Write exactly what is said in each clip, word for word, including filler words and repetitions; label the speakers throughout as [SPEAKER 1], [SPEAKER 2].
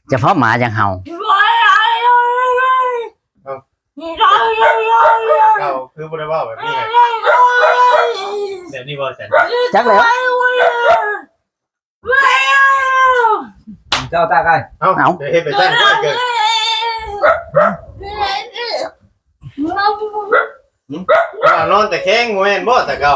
[SPEAKER 1] เฉพาะหมาอย่างเห่า
[SPEAKER 2] เก่าคือบ่ได้ว่าแบบนี้ไงแบบนี้บ่จัน
[SPEAKER 1] จักแล้ว
[SPEAKER 3] เจ้าตาไก่
[SPEAKER 2] เอ้าเดี๋ยวเฮ็ดไปซั่นก็เกิดว่านอนแต่แข้งบ่แม่นบ่แต่เก่า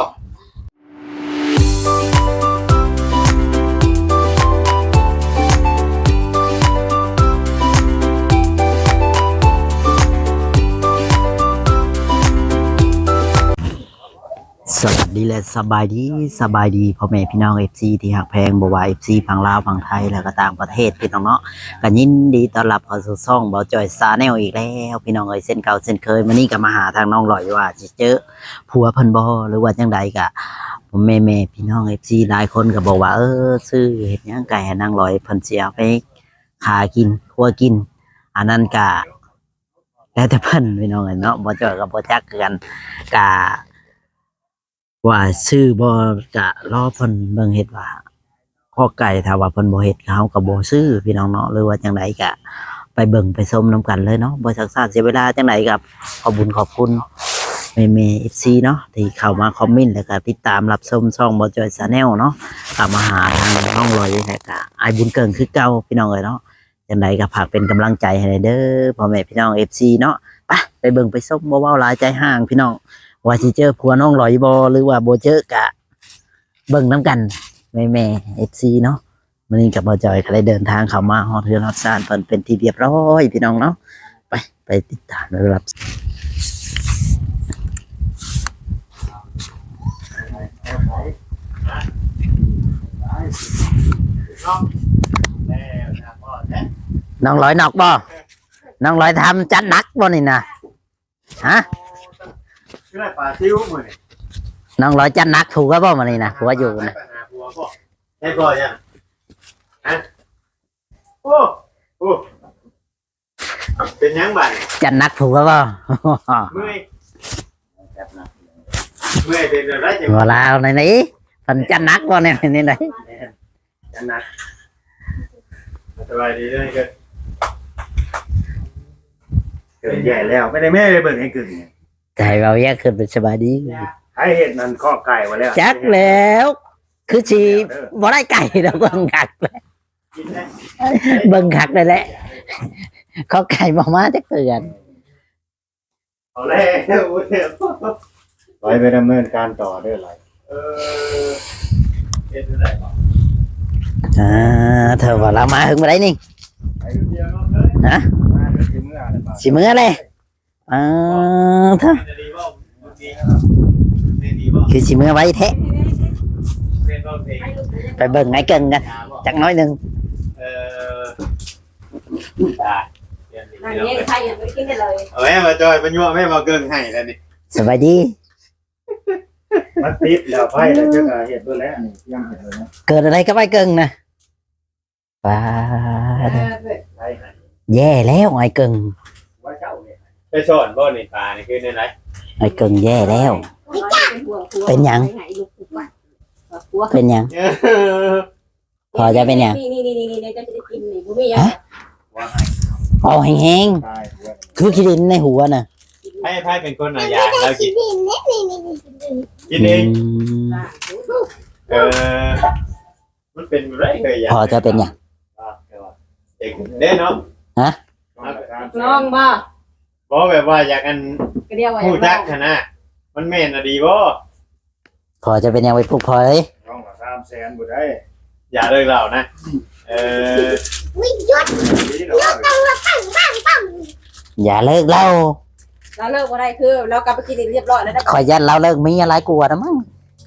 [SPEAKER 1] สวัสดีและสบายดีสบายดีพ่อแม่พี่น้อง เอฟ ซี ที่หักแพงบ่ว่า เอฟ ซี ฝั่งลาวฝั่งไทยแล้วก็ต่างประเทศพี่น้องเนาะก็ยินดีต้อนรับเข้าสู่ช่องเบาจอยซาแนลอีกแล้วพี่น้องเอ้ยเส้นเก่าเส้นเคยมื้อนี้ก็มาหาทางน้องลอยว่าสิเจอผัวเพิ่นบ่หรือว่าจังใดก็ผมแม่ๆพี่น้อง เอฟ ซี หลายคนก็บอกว่าเออซื้อเฮ็ดหยังไก่ให้นางลอยเพิ่นสิเอาไปหากินครัวกินอันนั้นก็แล้วแต่เพิ่นพี่น้องเอ้ยเนาะบ่จอยก็บ่จักคือกันก็ว่าชื่อบ่กะรอเพิ่นเบิ่งเฮ็ดว่าข้อไก่ถ้าว่าเพิ่นบ่เฮ็ดเฮาก็บ่ซื้อพี่น้องเนาะหรือว่าจังไดก็ไปเบิ่งไปชมนํกันเลยเนาะบ่ซักซ่าเสียเวลาจังไดก็ขอบคุญขอบคุณแม่ๆ เอฟ ซี เนาะที่เข้ามาคอมเมนต์แล้วก็ติดตามรับชมช่องบ่จอย Channel เนาะกลับมาหาทางน้องลอยแล้วก็อ้ายบุญเกิงคือเก่าพี่น้องเอ้ยเนาะจังไดก็ฝากเป็นกำลังใจให้เด้อพ่อแม่พี่น้อง เอฟ ซี เนาะไปไปเบิ่งไปชมบ่เว้าหลายใจห่างพี่น้องว่าสิเจอผัวน้องลอยบ่หรือว่าบ่เจอกะเบิ่งน้ำกันแม่แม่ เอฟ ซี เนาะมื้อนี้กับบ่จอยก็ได้เดินทางเข้ามาฮอดเรือนฮอดศาลเพิ่นเป็นที่เรียบร้อยพี่น้องเนาะไปไปติดตามรับน้องลอยนอกบ่น้องลอยทำจัดหนักบ่นี่นะฮะ
[SPEAKER 2] คือได้ปลาซิวมื้อนี้
[SPEAKER 1] น้องลอยจัดหนักถูกก็บ่มื้อนี้นะผัวอยู่นะ
[SPEAKER 2] ใช่บ่ยังฮะโอ้โอ้เป็นยังบัด
[SPEAKER 1] จัดหนักถูกก็บ่
[SPEAKER 2] เมื่อยเมื่อยเป็นอะไรจัง
[SPEAKER 1] บ่ลาวในนี้เพิ่นจัดหนักบ่เนี่ยนี่ไหน
[SPEAKER 2] จังนะสบายดีเลยเกิดเกิดใหญ่แล้วไม่ได้แม่ได้เบิ่งให้กึ่ง
[SPEAKER 1] ใจเราแยกขึ้นเป็นสบายดี
[SPEAKER 2] ให้เห็ดนั่นข้อไก่มาแล้ว
[SPEAKER 1] จักแล้ว คือสิบ่ได้ไก่ดอกเบิ่งคักเลยเบิ่งคักเลยแหละเขาไก่บ่มาจักเตือน
[SPEAKER 2] เอาแล้วไปไปดำเนินการต่อได้ไรเออเฮ็ดได้บ่
[SPEAKER 1] อ่าเธอว่าเรามาถึงบ่ได้นี่
[SPEAKER 2] ไปเดียวเนาะเอ้ย
[SPEAKER 1] ฮะ
[SPEAKER 2] มาถึงเมื่ออะไรบ่
[SPEAKER 1] สิมื้อเลยอ่าเธอ
[SPEAKER 2] ดีบ่ดีครับดีบ่
[SPEAKER 1] คือสิมื้อไว้แท้
[SPEAKER 2] เล่นบ่เพลง
[SPEAKER 1] ไปเบิ่งไงเกิงกันจักน้อยหนึง
[SPEAKER 2] เออได้เรียนดี
[SPEAKER 4] อัน
[SPEAKER 2] เนาะ
[SPEAKER 4] นี้ใครยังไม่กินได้เลย
[SPEAKER 2] เอาแม่มาจอยมายั่วแม่มาเกินให้แล้วนี่
[SPEAKER 1] สบายดี
[SPEAKER 2] มันติดแล้วไฟแล้วเจ้าก็เฮ็ดเบิ่แล้วนี่ยังเฮ็ดเลยนะ
[SPEAKER 1] เกิดอะไรก็ไปเกิงนะป้าด
[SPEAKER 2] ไฟให้
[SPEAKER 1] แย่แล้วไอ้เกิง
[SPEAKER 2] ว่าเจ้าเนี่ยไปสอนบ่นี่ปลานี่คือในไหน
[SPEAKER 1] ไอ้เกิงแย่แล้ว เป็นหยัง เป็นหยัง พอจะเป็นหยัง
[SPEAKER 4] นี่นี่นี่นี่นี่จะได้กินนี่บุ้มี่ยัง
[SPEAKER 2] ว่าให้
[SPEAKER 1] เอาแห้ง
[SPEAKER 2] ตายหัว
[SPEAKER 1] ๆคือขี้ดินในหัวน่ะ
[SPEAKER 2] ให้ให้เป็นคนเอายาแล้วกินกินเอง เออมันเป็นไรเลยยา
[SPEAKER 1] พอจะเป็นหยัง
[SPEAKER 2] เด็กเด้เนาะ
[SPEAKER 4] น้องบ่
[SPEAKER 2] บ่แบบว่าอยากอัน
[SPEAKER 4] กระเดียวไว้
[SPEAKER 2] ผู้จักขนาดมันแม่นอะดีบ่
[SPEAKER 1] พอจะเป็นหยังไปปลุกพอเลย
[SPEAKER 2] น้องละสามแสนบ่ได้อย่าเลิกเล่านะเออ
[SPEAKER 1] อย่าเลิกเล่า
[SPEAKER 4] เราเลิกมาได้คือเรากลับไปกินเรียบร้อยแล้วนะ
[SPEAKER 1] ขอยันเราเลิกมีอะไรกลัวนะมั้ง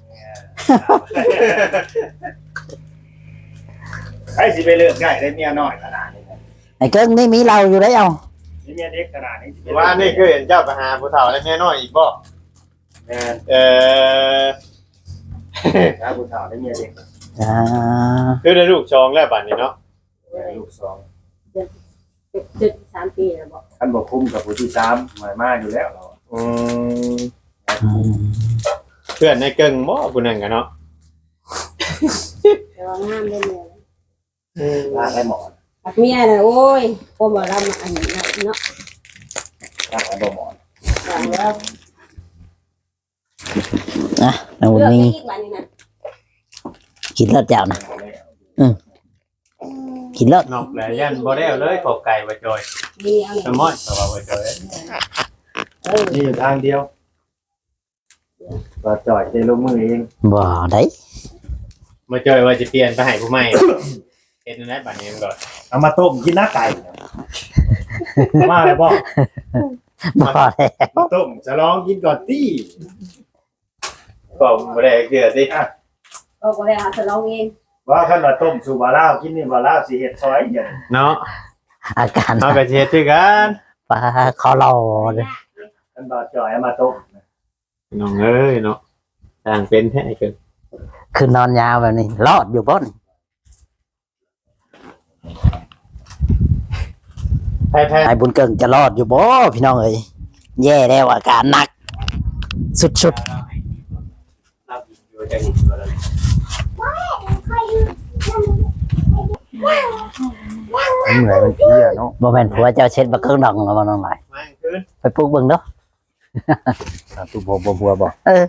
[SPEAKER 2] ใครสิไปเลิกง่ายได้เมียน้อยขนาดนี้
[SPEAKER 1] ไอ้เกิงนี่มีเราอยู่ได้เอา
[SPEAKER 2] นี่เมียเด็กขนาดนี้ว่านี่คือเห็นเจ้าไปหาผู้เฒ่าและเมียน้อยอีกบ่แม่นเออหาผู้เฒ่าและเมียเด็ก
[SPEAKER 1] อ่า
[SPEAKER 2] คือได้ลูกชองแล้วบัดนี้เนาะลูกสอง
[SPEAKER 4] จุดสามปีนะบอก
[SPEAKER 2] ท่านบอกคุ้มกับผู้ที่สามหมายมากอยู่แล้วเราอืม
[SPEAKER 1] อืม
[SPEAKER 2] เพื่อนในเกิงบ่ผู้นั้นกันเนาะ
[SPEAKER 4] แต่ว่างามได้เลย
[SPEAKER 2] ลาได้หมอ
[SPEAKER 4] ไปเมียน่ะโอ้ยพอมาลำอันนี้เนาะ
[SPEAKER 2] ตั้งไว้บ่หมอน
[SPEAKER 4] อย่างแล้ว
[SPEAKER 1] นะน้องบุญ
[SPEAKER 4] เลือก
[SPEAKER 1] มี
[SPEAKER 4] อีกวันนี้นะ
[SPEAKER 1] กินเลิศเจ้านะกินเลิศ
[SPEAKER 2] นอกแล้วยันบ่ได้เอาเลยขอบไก่บ่จอย
[SPEAKER 4] มีเอา
[SPEAKER 2] สมอนก็ว่าบ่จอย
[SPEAKER 4] เออ
[SPEAKER 2] นี่อยู่ทางเดียวบ่จอยได้ลงมือเอง
[SPEAKER 1] บ่ได้
[SPEAKER 2] บ่จอยว่าจะเปลี่ยนไปให้ผู้ใหม่เฮ็ดนั่นแหละบัดนี้มันก็
[SPEAKER 3] เอามาต้มกินหน้าไก่มาเลยพ่อ
[SPEAKER 1] บ่ได้
[SPEAKER 3] มาต้มจะลองกินก่อนตี้
[SPEAKER 2] ก็บ่ได้เกลือติ
[SPEAKER 4] เอาก็เลยหาสลองเอง
[SPEAKER 3] ว่าท่านมาต้มสู่บาล่าวกินนี่บาล่าวสิเฮ็ดซอยอย่าง
[SPEAKER 2] เนาะ
[SPEAKER 1] อาการ
[SPEAKER 2] เฮาก็สิเฮ็ดคือกัน
[SPEAKER 1] ปลาคอรอเลย
[SPEAKER 3] ท่านบาจ่อยเอามาต้ม
[SPEAKER 2] น้องเอ้ยเนาะสร้างเป็นแท้เกิน
[SPEAKER 1] คือนอนยาวแบบนี้รอดอยู่บ่น
[SPEAKER 2] แพ้
[SPEAKER 1] ไอ้บุญเกิงจะรอดอยู่บ่พี่น้องเอ้ยแย่แล้วอาการหนัก สุด
[SPEAKER 2] ๆรับอยู่จังนี้บ่ได้
[SPEAKER 3] เหนื่อยมันเพี้ยเนาะ
[SPEAKER 1] ๆบ่แม่นผัวเจ้าเช็ดบักเครื่องดองแล้วบ่น้องหลาย
[SPEAKER 2] มาคืน
[SPEAKER 1] ไปปลูกเบิ่งเด้อ
[SPEAKER 3] ตุบ่บ่บัวบ่
[SPEAKER 1] เออ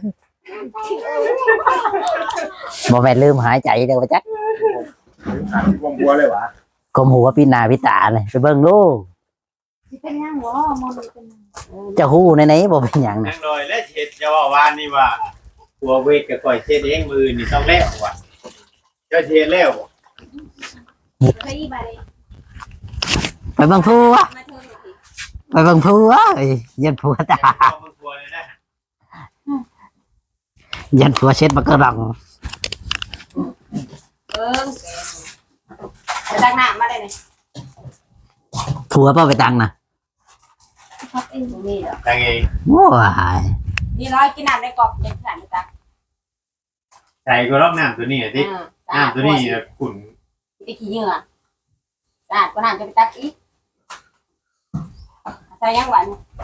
[SPEAKER 1] บ่แม่นลืมหายใจเด้อว่าจัก
[SPEAKER 3] บ่บัวเลยวะ
[SPEAKER 1] กลมหัวพี่หน้าพี่ตาเลยไปเบิ่งดู
[SPEAKER 4] สิเป็นยังบ่มองดูเป็นยัง
[SPEAKER 1] จะฮู้ในไหนๆบ่เป็นหยัง
[SPEAKER 2] นั่
[SPEAKER 1] นะ
[SPEAKER 2] งหน่อยแล้วเฮ็ดจะว่าวานนี่ว่าหัวเวทกับก่อยเฮ็ดเองมือนี่ต้องแล้วว่ะเจ้าเฮ็ดแล้ว
[SPEAKER 4] เคยอีบาเลย
[SPEAKER 1] ไปเบิ่งผัว
[SPEAKER 4] มาเทิงสิ
[SPEAKER 1] ไปเบิ่งผัวเอ้ยยันผัวตา
[SPEAKER 2] มึงกลัวเลยนะ
[SPEAKER 1] ยันผัวเช็ดบักเครื่องดอง
[SPEAKER 4] เออไปตักน้ำมาได้เลย
[SPEAKER 1] ผัวเป้าไปตังนะ
[SPEAKER 4] ครับเองบ่มีดอก
[SPEAKER 2] ตังเอง
[SPEAKER 1] โอ้ย
[SPEAKER 4] นี่ร้อยกินน้ำในกรอบเด็กขันตัก
[SPEAKER 2] ใส่ก็รอบน้ำตัวนี้อ่ะที่
[SPEAKER 4] อ่า
[SPEAKER 2] น้ำตัวนี้ขุ่น
[SPEAKER 4] ไปขี้เหงื่อสะอาดก็น้ำจะไปตักอีกใส่ยังหวาน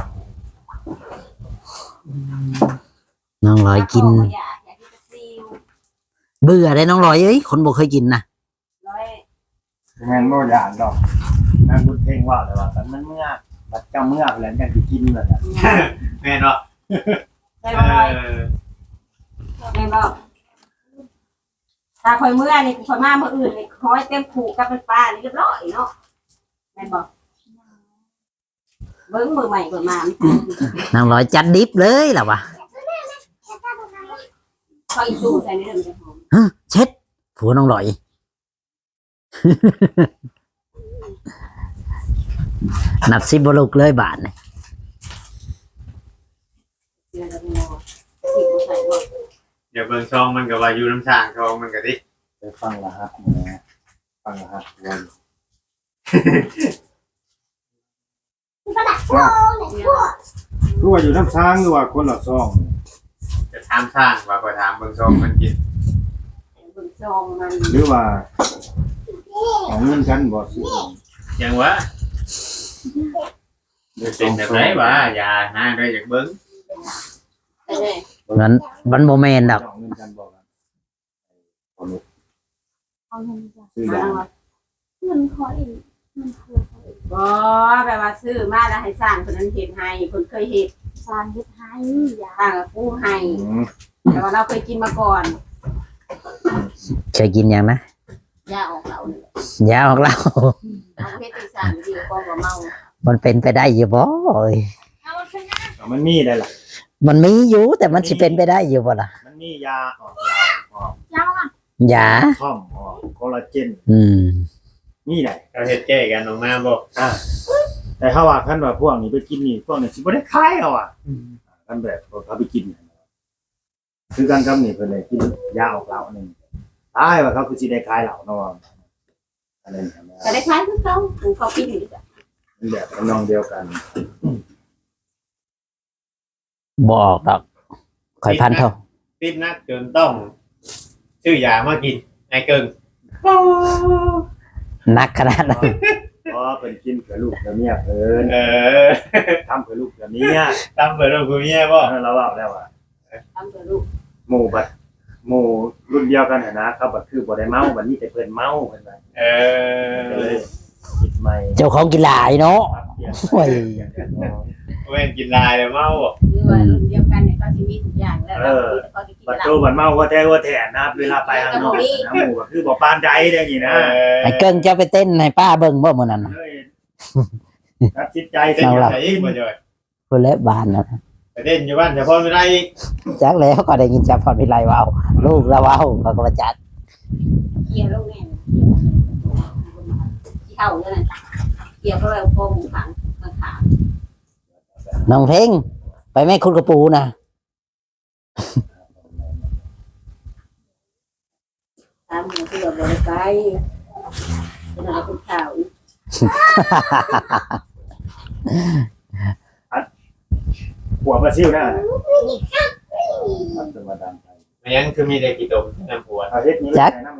[SPEAKER 1] น้องลอยกิน
[SPEAKER 4] อยากอยากกินซีอิ๊ว
[SPEAKER 1] เบื่อได้น้องลอยเอ้ยคนบ่เคยกินนะ
[SPEAKER 4] ร้อย
[SPEAKER 3] แม่นบ่อย่างดอกนั่นบุญเพ่งว่าเลยว่าแต่มันเมื่อบัดจำเมื่อแล้วจังสิกินเลยอ่ะ
[SPEAKER 2] แม่เนาะ
[SPEAKER 4] ได้
[SPEAKER 2] เอ
[SPEAKER 4] บ่ร้อย
[SPEAKER 2] อ
[SPEAKER 4] แม่บอกถ้าคอยเมื่อนี่คอยมาเมื่ออื่นนี่คอยเต็มผูกกับเป็นปลานี่เรียบร้อยเนาะแม่บอกเบิ้งมือใหม่ก่อนมา
[SPEAKER 1] น้องลอยจัดดิบเลยล่ะวะ
[SPEAKER 4] คอยสู้ใส่ในเรื่องจะหอม
[SPEAKER 1] ฮะเช็ดผัวน้องลอย นับสิบลุกเลยบาทนี่
[SPEAKER 4] เดี๋ยวเราไปรอสิบใส่บ่
[SPEAKER 2] เดี๋ยวเบิ่งซองมันก็ว่าอยู่น้ำชางซองมันก็ดิ
[SPEAKER 3] ไปฟังละฮะนะฟังละฮะวัน รู้ว่าอยู่น้ำช้างหรือว่าคนละซอง
[SPEAKER 2] จะถามช่างว่าก็ถามเบิ่งซองมันกิน
[SPEAKER 4] เบิ่งซองมัน
[SPEAKER 3] หรือว่าเอาเงินกันบ่ซื้อ
[SPEAKER 2] ยังวะเป็นแบบไหนวะอย่าหาได้จากเบิ่ง
[SPEAKER 4] ไปเลย
[SPEAKER 1] งั้นมันโมเมนต์ดอก
[SPEAKER 3] เอาเงินกันบ่กัน
[SPEAKER 5] เอาเงินจ้ะ
[SPEAKER 3] ซื้อ
[SPEAKER 4] มา
[SPEAKER 3] ยา
[SPEAKER 4] แล้ว
[SPEAKER 5] เงินขออีกเงินคือขออีก
[SPEAKER 4] บ่แบบว่าซื้อมาแล้วให้สร้างคนนั้นเห็นให้คนเคยเห็น
[SPEAKER 5] สร้างเฮ็ดให้ยา
[SPEAKER 4] สร้างกับผู้ให้
[SPEAKER 3] อืม
[SPEAKER 4] แต่ว่าเราเคยกินมาก่อน
[SPEAKER 1] เคยกินยังนะ
[SPEAKER 4] ยาออกเหล่าเนี่ย
[SPEAKER 1] ยาของเรา
[SPEAKER 4] เอาเพชรตีสร้างดีกว่าบ่เมา
[SPEAKER 1] มันเป็นไปได้อยู่บ่เอ้ย
[SPEAKER 5] เอามันเป็นนะ
[SPEAKER 3] เอามันมีได้ล่ะ
[SPEAKER 1] มันมีอยู่แต่มันสิเป็นไปได้อยู่บ่ล่ะ
[SPEAKER 3] มันมียาออกเหล้าออก
[SPEAKER 5] ยาวอ่ะ
[SPEAKER 1] ยา
[SPEAKER 3] ท่อมออกคอลลาเจน
[SPEAKER 1] อืม
[SPEAKER 3] มีได้
[SPEAKER 2] เราเฮ็ดแก้กันออกมาบ่
[SPEAKER 3] อ่าแต่ถ้าว่าคันว่าพวกนี้ไปกินนี่พวกนี้สิบ่ได้ขายเอาอ่ะคันแบบเขาไปกินเนี่ยคือกันกับนี่เพิ่นเลยกินยาออกเหล้านึงตายว่าเขาคือสิได้ขายเหล้าเนาะอันนั้น
[SPEAKER 4] แต่ได้คล้ายคือเขาคือเขากินอยู่ดีกว่า
[SPEAKER 3] มันแบบทำนองเดียวกัน
[SPEAKER 1] บ่ออกดอกข่อยพันเท่า
[SPEAKER 2] ติดนักจนต้องซื้อยามากินไอ้เกิง
[SPEAKER 1] นักขนาดนั้น
[SPEAKER 3] เพราะเพิ่นกินเพื่อลูกเพื่อเมียเพิ่น
[SPEAKER 2] เออ
[SPEAKER 3] ทำเพื่อลูกเพื่อเมีย
[SPEAKER 2] ตามเปิดโรงกูเมียบ่
[SPEAKER 3] เราเล่าแล้วว่า
[SPEAKER 4] ทำเพื่อลูก
[SPEAKER 3] หมู่บัดหมู่รุ่นเดียวกันน่ะนะเขาบัดคือบ่ได้เมาบัดนี้แต่เพิ่นเมาเพิ่นว่า
[SPEAKER 2] เอ
[SPEAKER 3] ก็
[SPEAKER 2] อ
[SPEAKER 3] เลยใหม่
[SPEAKER 1] เจ้าของกินหลายเนาะโอ้ย
[SPEAKER 2] เว้นกินลายเลยเมาบ่
[SPEAKER 4] หรือว่ารุ่นเดียวกันเนี่ยก็สิมีทุกอย่างแล้วเราก็สิกิน
[SPEAKER 3] บัด
[SPEAKER 4] เหล้า
[SPEAKER 3] โตบัดเมาก็แท้ว่าแท้นะเวลาไปข้างนอกนะหมู่ก็คือบ่ปานใดได้อย่างนี้นะ
[SPEAKER 1] ไอ้เกิ้งเจ้าไปเต้นให้ป้าเบิ่งบ่มื้อนั้นน่ะ
[SPEAKER 3] เฮ้ยตัดจิตใจ
[SPEAKER 2] เต้น
[SPEAKER 3] เสีย
[SPEAKER 2] อยู่ไหนอีกบ่จ่อย
[SPEAKER 1] คนและบ้านน่ะ
[SPEAKER 2] ไปเต้นอยู่บ้านเฉพาะไม่ได้อีก
[SPEAKER 1] จักแล้วก็ได้ยินจับพรวิไลเว้าลูกแล้วเว้าเขาก็มาจัด
[SPEAKER 4] เกี่ยวลงแน่ที่เท่าเนี่ยนะเกี่ยวก็แล้วโกงขังขังขา
[SPEAKER 1] น้องเพ่งไปแม่คุณกระปูนะ
[SPEAKER 4] ตามหัวที่เราบริการเป็นอะไรเป็นข่าว
[SPEAKER 3] หัวปลาซิ่วหน้ามันจะมาดังไป
[SPEAKER 2] ไม่งั้นคือมีแต่กี่ตมน้ำหัว
[SPEAKER 3] เอาเฮ็ดนี้เลยน้ำไร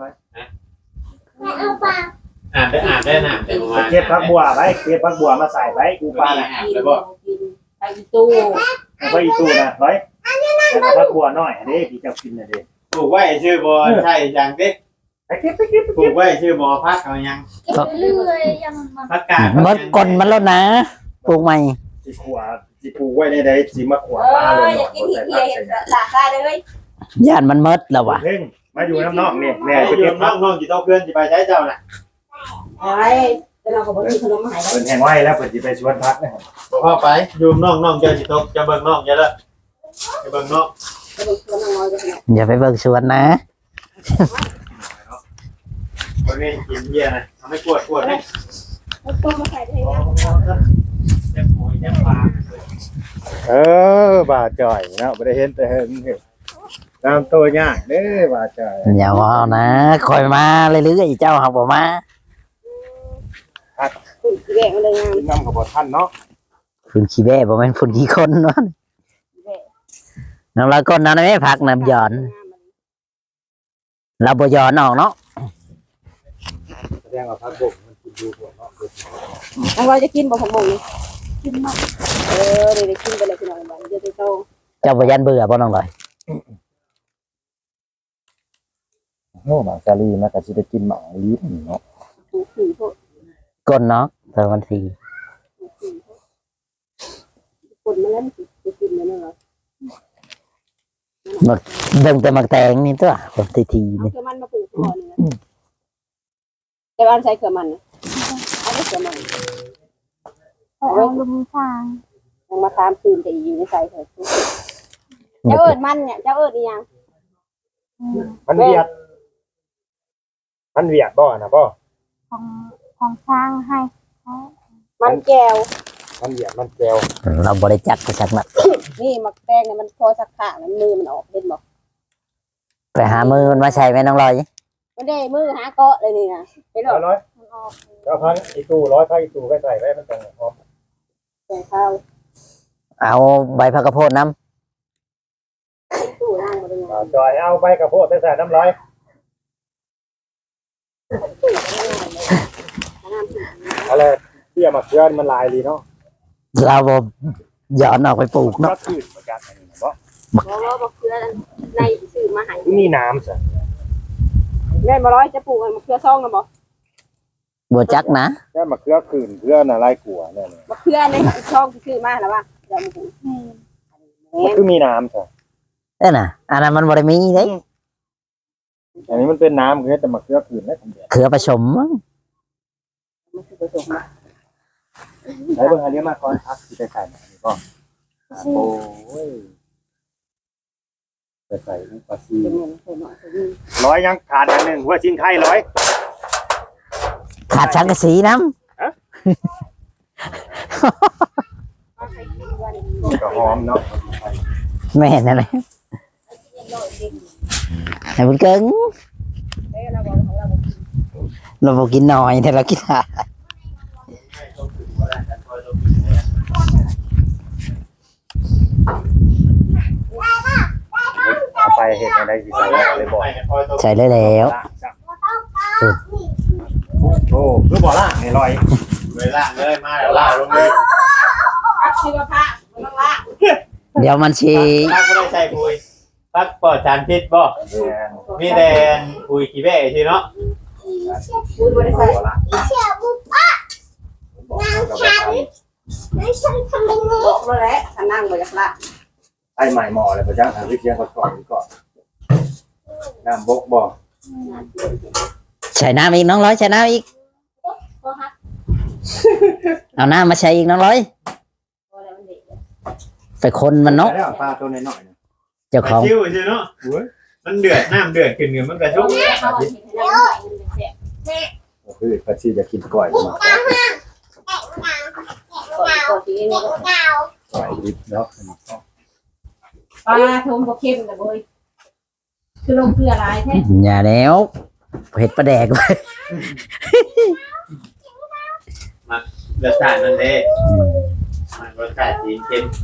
[SPEAKER 2] อ่านได้อ่านได้นะแต่ประมาณ
[SPEAKER 3] เก็บผักบัวไว้เก็บผักบัวมาใส่ไว้กูปลาน่ะ
[SPEAKER 4] กินกินไปตู้
[SPEAKER 3] เอาไว้อีตู้นะร้อยแต่ผักบัวน้อยอันนี้ที่เจ้ากินน่ะเด้
[SPEAKER 2] ปลูกไว้ชื่อบอใช่อย่างเด็ก
[SPEAKER 3] ไปเก็บไปเก็บไป
[SPEAKER 2] ปลู
[SPEAKER 3] เก็บ
[SPEAKER 2] กไว้ชื่อบอพักเอายัง
[SPEAKER 5] เก็บเรื่อยๆยังมัน
[SPEAKER 2] พักกาด
[SPEAKER 1] มันกลนมันแล้วนะปลูกใหม่
[SPEAKER 3] สิขวาสิปลูกไว้ในใดสิมาขวา
[SPEAKER 4] เอ
[SPEAKER 3] ปลาเล
[SPEAKER 4] อย อยากกินที่เที่ยสาซาเลย
[SPEAKER 1] ย่านมันเมดแล้วว่ะ
[SPEAKER 3] เพ่งมาอยู่น้ำนอกนี่แม่
[SPEAKER 2] ไป
[SPEAKER 3] ไป
[SPEAKER 2] เก็
[SPEAKER 3] เก็
[SPEAKER 2] บบ น้
[SPEAKER 3] ผั
[SPEAKER 2] อก งน้องจีโต้เพื่อนจีไปใช้เจ้าน่ะ
[SPEAKER 4] อะไรแต่เราก็บอกกินขนมหาย
[SPEAKER 3] เพิ่นแห้งไว้แล้วเพิ่นสิไปชวนพักนะครับ
[SPEAKER 2] พ่อไปยูมน้องน้องเจ้าจีโต้จะเบิ่งน้องเจ้าละจะเบิ่งน้อง
[SPEAKER 4] ขนมขนมน้อยก็ขนม
[SPEAKER 1] อย่าไปเบิ่งสวนนะ
[SPEAKER 2] คนนี้กินเยี่ยนะทำให้ปวดปวดให้
[SPEAKER 5] เอาตัวมาใส่ได้ยัง
[SPEAKER 2] เจ็บหัวเจ็บปาก
[SPEAKER 3] เออบาจ่อยเนาะบ่ได้เห็นแต่เห็นตามตัวยากเด้อบาจ่อย
[SPEAKER 1] อย่าว่านะคอยมาเรื่อยๆเจ้าหักบ่มา
[SPEAKER 4] คุณแกงเลยงาม
[SPEAKER 3] กินน้ำกับบ่ทันเนาะ
[SPEAKER 1] ฝุ่นขี้แบ่บ่แม่นฝุ่นขี้คนเนาะน้ำลายก้นน้ำไม่พักน้ำหย่อนเราบ่หย่อนออกเนาะ
[SPEAKER 3] แสดงว่าพักบ่มันกินอยู่บ่เนาะ
[SPEAKER 4] น้องเราจะกินบ่ผมมง
[SPEAKER 5] กินมา
[SPEAKER 4] เออเดี๋ยวกินไปเลยพี่น้องบ้านเดี๋ยวจะโต
[SPEAKER 1] เจ้าบ่ยันเบื่อบ่น้องลอย
[SPEAKER 3] โอ้หมาซาลีมันก็สิได้กินหมาลีนี่เนาะ
[SPEAKER 4] ถูกผีพวก
[SPEAKER 1] ก้นเนาะตอนวันที่
[SPEAKER 4] คนมาแล้วจะกินแล้วเนาะ
[SPEAKER 1] เบิ่งแต่มักแตงนี่ตัวคนทีที
[SPEAKER 4] เอา
[SPEAKER 1] นี่
[SPEAKER 4] เกลือมันมาปลูกก่อนนะแต่ว่าใช้เกลือมันเอาเกลือมัน
[SPEAKER 5] เอาลุมฟาง
[SPEAKER 4] ยังมาตามคืนแต่อยู่ในใส่เถอะเจ้าเอิญมันเนี่ยเจ้าเอิญอีหยัง
[SPEAKER 3] มันเวียดมันเวียดบ่น่ะบ่
[SPEAKER 5] ของของสร้างให้เขา
[SPEAKER 4] มันแก้ว
[SPEAKER 3] มันเวียดมันแก้ว
[SPEAKER 1] เราบ่ได้จักไปสักนัด
[SPEAKER 4] นี่มักแตงเนี่ยมันพอสักข้างมือมันออกเห็นบอก
[SPEAKER 1] ไปหามือมันมาใช้ไหมน้องลอย
[SPEAKER 4] มันได้มือหาเกาะเลยนี่นะเห็นบอก
[SPEAKER 3] ร้อย
[SPEAKER 5] มันออก
[SPEAKER 3] แล้วพันอีตู้ร้อยพันอีตู้ก็ใส่ไว้มันจังหอม
[SPEAKER 4] แกงข้าว
[SPEAKER 1] เอาใบผักกระโพดน้
[SPEAKER 4] ตู้นั่งมาดู
[SPEAKER 3] อ่าจอยเอาไปกระโพดไปใส่น้ำร้อยอะไรเที่ยมาเกลือนมันลายดีเนาะ
[SPEAKER 1] ำเราบ่หย่อนออกไปปลูกเนาะ
[SPEAKER 3] ก็คือเหมือนกันอันนี้นะบ่
[SPEAKER 4] บอกว่าบอกเกลือในซื้อมาให้
[SPEAKER 3] มีน้ำสิ
[SPEAKER 4] แม่มาร้อยจะปลูกมันเกลือซองนะบอก
[SPEAKER 1] บ่จักนะ
[SPEAKER 3] แค่มาเกลือคืนเกลือน่ะลายกัวเนี่ย
[SPEAKER 4] มาเกลือในซองที่ซื้อมาแล้วว่าเดี๋ยวมาปลูก
[SPEAKER 5] แม่
[SPEAKER 3] มันคือมีน้ำสิ
[SPEAKER 1] เอ้อน่ะอันนั้นมันบ่ได้มีเด้
[SPEAKER 3] อันนี้มันเป็นน้ำคือแต่มาเกลือคืนได้ทันเดียว
[SPEAKER 1] เขือผสมมั้ง
[SPEAKER 4] มันคือผสมมา
[SPEAKER 3] ใช้เบิ่งอันนี้มาก่อนครับที่ไปใส่อันนี้ก็โอ้ยไปใส่อุปซี
[SPEAKER 4] เป็นเงินเป็นหน่อยเป็นเงิน
[SPEAKER 3] ร้อยยังขาดอันหนึ่งหัวชิ้นไข่ร้อย
[SPEAKER 1] ขาดชังกะสีน้
[SPEAKER 3] ก็หอมเนาะ
[SPEAKER 1] ำแม่นั่นแหละให้มันเกิง
[SPEAKER 4] เอ้ยเราบอกของเรา
[SPEAKER 1] เราบ่กินน้อยแต่เรากินหลาย
[SPEAKER 3] เอาไปเห็ดอะไรสิใส่เลยบอก
[SPEAKER 1] ใส่ได้แล้ว
[SPEAKER 3] โอ้คือบ่ล่ะนี่ร้อย
[SPEAKER 2] เวลาเลยมาแล้วล่าลงเลย
[SPEAKER 4] พักชีวภาพมันต้องละ
[SPEAKER 1] เดี๋ยวมันสิ
[SPEAKER 2] พักไม่ได้ใส่ปุยพักปลอดสารพิษบ่มีแดนปุยขี้แบ่ใช่เนาะ
[SPEAKER 4] คุณบริษัท
[SPEAKER 3] บ่ล่ะ
[SPEAKER 2] ป
[SPEAKER 3] กับแบบ
[SPEAKER 4] บอกเลยแหละถ้านั่งบ่อยากละ
[SPEAKER 3] ไอ้ใหม่หมออะไรประจักษ์ทางวิทยาก่อนก่อนน้ำบกบ่
[SPEAKER 1] ใส่น้ำอีกน้องร้อยใส่น้ำอีก
[SPEAKER 5] ก็ฮัก
[SPEAKER 1] เอาน้ำมาใส่อีกน้องร้อย
[SPEAKER 4] บ่แล้วมันเด็ก
[SPEAKER 1] ไปคนมันเนาะ
[SPEAKER 3] แล้วปลาตัวน้อยๆนะ
[SPEAKER 1] เจ้าของ
[SPEAKER 2] ชิวใช่เนาะมันเดือดน้ำเดือดขึ้นเงินมันกระชุ่ม
[SPEAKER 4] เขาเห็นให้เราใส่เงินเสีย
[SPEAKER 3] ก็คือปลาชีจะกินก่อยมา
[SPEAKER 4] ก่อนก่อนที่นี่ก็
[SPEAKER 3] ก่อยดิบเนาะ
[SPEAKER 4] ปลาทมบ่เข้มนะเว้ยคือลงเกลือหลายแท้
[SPEAKER 1] อย่าแล้วเผ็ดประแดกไว้
[SPEAKER 2] รสชาติมันเด้มันรสชาติสีเข้ม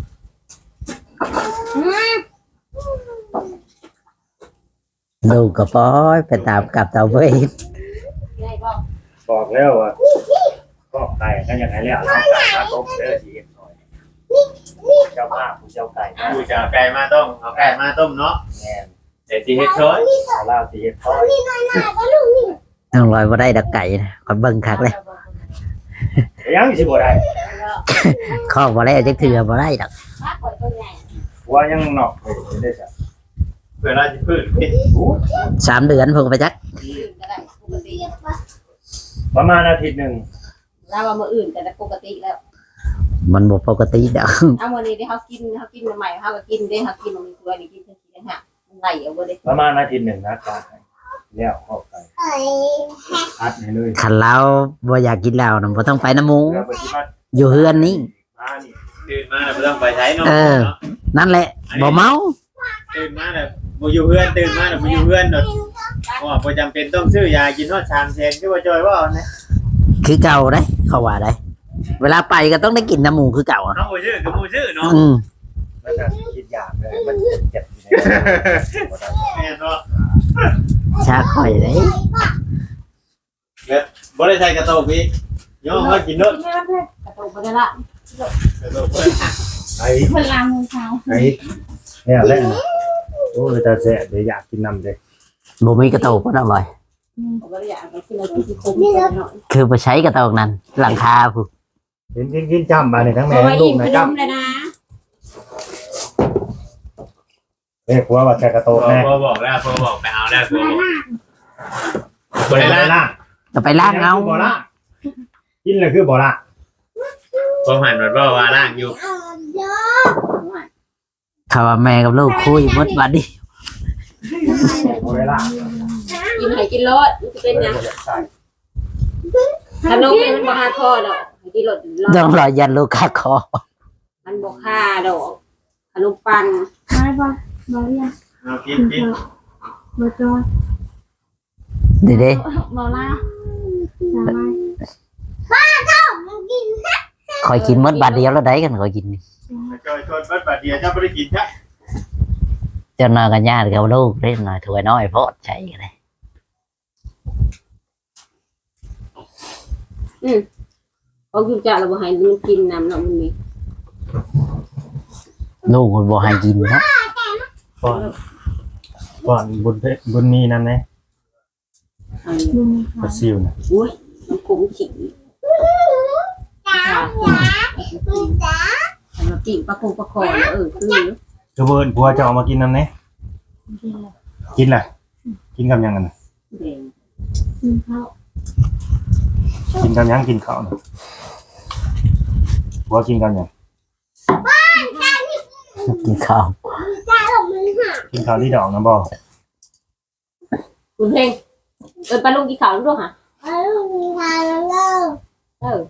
[SPEAKER 1] ลูกก็ปล่อยไปตามกับเต่าเว้ย
[SPEAKER 4] ได้บ่
[SPEAKER 3] บอกแล้วว่าก็ไก่ก็ยังไงแล้วเราไก่มาต้มเด้อชีหน่อยเจ้าภาพผู้เจ้าไก่
[SPEAKER 2] กูจะเอาไก่มาต้มเอาไก่มาต้มเนาะ
[SPEAKER 3] แม่น
[SPEAKER 2] เดี๋ยวสิเฮ็ดช้อย
[SPEAKER 3] สาลาสีเฮ็ดทอด
[SPEAKER 1] น้องร้อยบ่ได้ดักไก่นะคอยเบิ่งคักเลย
[SPEAKER 3] ยังสิบ่ได้
[SPEAKER 1] ข้อบ่ได้จักเถื่อบ่ได้ดอก
[SPEAKER 4] ปลาก่อยตัวใหญ่
[SPEAKER 3] ว่ายังนอกเลยได้จ้ะ
[SPEAKER 2] เวลาจะพืชพิษ
[SPEAKER 1] สามเดือนเพิ่งไปจัก
[SPEAKER 4] อื่นก็ได้ปกติ
[SPEAKER 3] ประมาณอาทิตย์หนึ่ง
[SPEAKER 4] แล้วว่ามื้ออื่นก็ได้ปกติแล้ว
[SPEAKER 1] มันบ่ปกติดอก
[SPEAKER 4] เอามื้อนี้ที่เฮากินเฮากินใหม่ๆเฮาก็กินเด้เฮากินมันมีตัวนี่กินทั้งกินทั้งหะมันไหลเอาบ่ได้
[SPEAKER 3] ประมาณอาทิตย์หนึ่งนะตาแล้วเข้าไปอัดให้เลย
[SPEAKER 1] คันเราบ่อยากกินเหล้าน่ะบ่ต้องไปน้ำหมู
[SPEAKER 3] แล้วปฏิบัติ
[SPEAKER 1] อยู่เฮือนนี่
[SPEAKER 3] มานี่
[SPEAKER 2] ตื่นมาแล้วไม่ต้องไปใช้เนาะ
[SPEAKER 1] เออ นั่นแหละบ่เมา
[SPEAKER 2] ตื่นมาแล้วบ่อยู่เพื่อนตื่นมาแล้วบ่อยู่เพื่อนเนาะเพราะว่าบ่จำเป็นต้องซื้อยากินฮอดสามแสนคือว่าจอยว่าเนี่ย
[SPEAKER 1] คือเก่าได้เขาว่าได้ เวลาไปก็ต้องได้กินน้ำหมูคือเก่าอะ
[SPEAKER 2] เฮาบ่ซื้อก็บ่ซื้อเนาะ
[SPEAKER 1] อืม
[SPEAKER 3] มันจะคิดยากเลยมันเจ็บอยู่ใน
[SPEAKER 2] แม่นเนาะ
[SPEAKER 1] ชาข่อยเลย
[SPEAKER 2] บ่ได้ใส่กระโตกอีกย่อมากินเนาะ
[SPEAKER 4] กินไม่ได้เลยกระตุกบ่ได้ละ
[SPEAKER 2] กระโตกเพิ่น
[SPEAKER 3] ไอ้
[SPEAKER 5] เวลามือเช้า
[SPEAKER 3] ไอ้เนี่ยแหละโอ้ยตาแสบเลยอยากกินน้ำเลย
[SPEAKER 1] บ่มีกระโตกก็อร่อย
[SPEAKER 4] ผมบ่ได้อยากไปกินอะไรที่สิคมกันหน่อย
[SPEAKER 1] คือไปใช้กระโตกนั้น หลังคาผู้
[SPEAKER 3] กินกินกินจำมาเนี่ยทั้ง
[SPEAKER 4] เพ
[SPEAKER 3] แม่
[SPEAKER 4] ราะว่า
[SPEAKER 3] ทั้งลู
[SPEAKER 4] อิ่
[SPEAKER 3] ก
[SPEAKER 4] ม
[SPEAKER 3] นะ
[SPEAKER 4] ไป
[SPEAKER 3] จ
[SPEAKER 4] นมเลยนะ
[SPEAKER 3] ำเรียกว่าว่าแค่กระโตกแน่
[SPEAKER 2] พอบอกแล้วพอบอกไปเอาแล้วพอบอกบ่ได้ล่าง
[SPEAKER 1] ก็ไปล้างเอา
[SPEAKER 3] บ่ละกินเลยคือบ่ละ
[SPEAKER 2] พอหันมันว่าว่าล่างอยู่
[SPEAKER 1] เขาว่าแม่กับลูกคุยหมดบัดนี้
[SPEAKER 3] บ่ได้ละ
[SPEAKER 4] กินให้กินรสมันจะเป็นหยัง
[SPEAKER 3] ใส่
[SPEAKER 4] ขนมนี่มันบ่ค่าคอดอกให้กินรสรส
[SPEAKER 1] ต้องรอยันลูกคาคอ
[SPEAKER 4] มันบ่ค่าดอกขนมปัง
[SPEAKER 5] ไม่บ่บ่เรียน
[SPEAKER 2] เอากินกิน
[SPEAKER 5] บ่จอย
[SPEAKER 1] ดีเด้
[SPEAKER 5] บ่ล่าสามารถ
[SPEAKER 1] คอยกินหมดบาทเดียวแล้วได้กันคอยกินนี่
[SPEAKER 2] จอยชวนบัดบาดเดียวเจ้าบ่ได้กินจ้ะ
[SPEAKER 1] เจะนอนกันญาติกับลูกเล่นหน่อยถวยน้อยโพดใช้กันเลย
[SPEAKER 4] เอากินจ้ะเราบ่ให้มันกินน้ำเนาะมันมี
[SPEAKER 1] ลูกคนบ่ให้กินเนาะ
[SPEAKER 3] ก่อนก่อนบุญเพชรบุญมีนั่นนะ
[SPEAKER 4] อัน
[SPEAKER 5] ดูมี
[SPEAKER 3] ปลาซิวนะ
[SPEAKER 4] อุ้ยมันขมขิงจ้าจ้าเรากิ่งปลาคงปลาคอเออคือ
[SPEAKER 3] คือเบิร์นผัวจะเอามากินนั่นนะ
[SPEAKER 5] กินแล้ว
[SPEAKER 3] กินแหละกินกับหยังกันน่ะ
[SPEAKER 4] แดง
[SPEAKER 5] กินข้าว
[SPEAKER 3] กินกับหยังกินข้าวน่ะผัวกินกับหยัง
[SPEAKER 1] กินข้าว
[SPEAKER 3] กินข้าวที่ดอกนะบ่
[SPEAKER 4] คุณเพลงเออปลาลุงกี่ขาวด้วยฮะเออ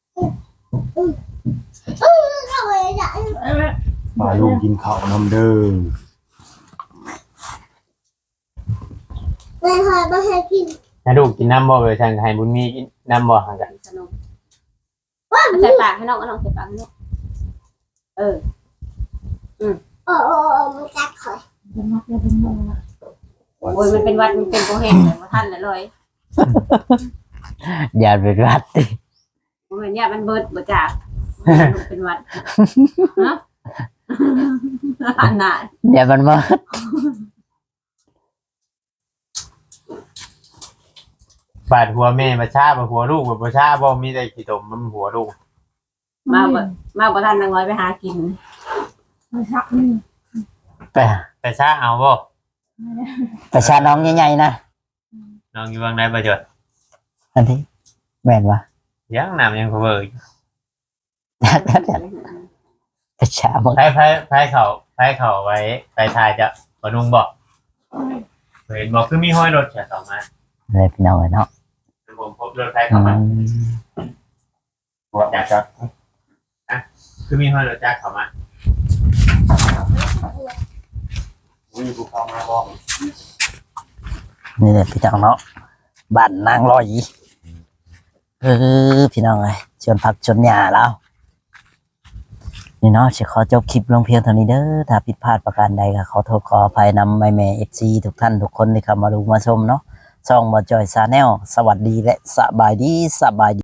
[SPEAKER 3] มาลูกกินข้าวน้ำเด้อ
[SPEAKER 2] ให้ลูกกินน้ำบ่ไปทางให้บุญมีกินน้ำบ่ห่างกัน
[SPEAKER 4] ขนมใส่ปากให้น้องก็น้องใส่ปากให้น้องเออ
[SPEAKER 5] จะมักจะเป็นโมละ
[SPEAKER 4] โอ้ยมันเป็นวัดมันเป็นโปรแห้งเลยมาท่านเลยเลย
[SPEAKER 1] อย่าเป็นวัดติ
[SPEAKER 4] มันเป็นเนี่ยมันเบิดบ่จากเป็นวัดฮะอันน่ะ
[SPEAKER 1] อย่ามันมา
[SPEAKER 2] บาดหัวแม่มาชาบาดหัวลูกบ่ชาบ่มีได้กี่ตมมันหัวลูก
[SPEAKER 4] มาบ่มาบ่ทันนางน้อยไปหากิน
[SPEAKER 5] มาชักนี่
[SPEAKER 1] ไป
[SPEAKER 2] แต่ชาเอาบ่
[SPEAKER 1] ไปชาน้องใหญ่ๆนะ
[SPEAKER 2] น้องอยู่วางไหนบ่จด
[SPEAKER 1] อันที่แม่นวะ
[SPEAKER 2] ยังน้ำยังเพิ่ง
[SPEAKER 1] ไปชาบ่
[SPEAKER 2] ไผไผไผเขาไผเขาไว้ไปทายจะบ่นุ่งบ่เห็นบ่คือมีห้อยรถแค่ต่อมา
[SPEAKER 1] เลยพี่น้องเอ้ยเนาะ
[SPEAKER 2] ผมพบรถไผ
[SPEAKER 1] อื
[SPEAKER 2] เข้ามาม บ่อยากจะอ่ะคือมีห้อยรถจักรเข้ามาอุ้ยกูเข้ามาบ่
[SPEAKER 1] นี่แหละพี่น้องเนาะบ้านนางลอยเออพี่น้องเอ้ยชวนผักชวนหญ้าแล้วนี่เนาะจะขอจบคลิปลงเพียงเท่านี้เด้อถ้าผิดพลาดประการใดก็ขอโทษขออภัยนำแม่แม่เอฟซีทุกท่านทุกคนที่เข้ามาดูมาชมเนาะช่องบ่จอยซาแนลสวัสดีและสบายดีสบายดี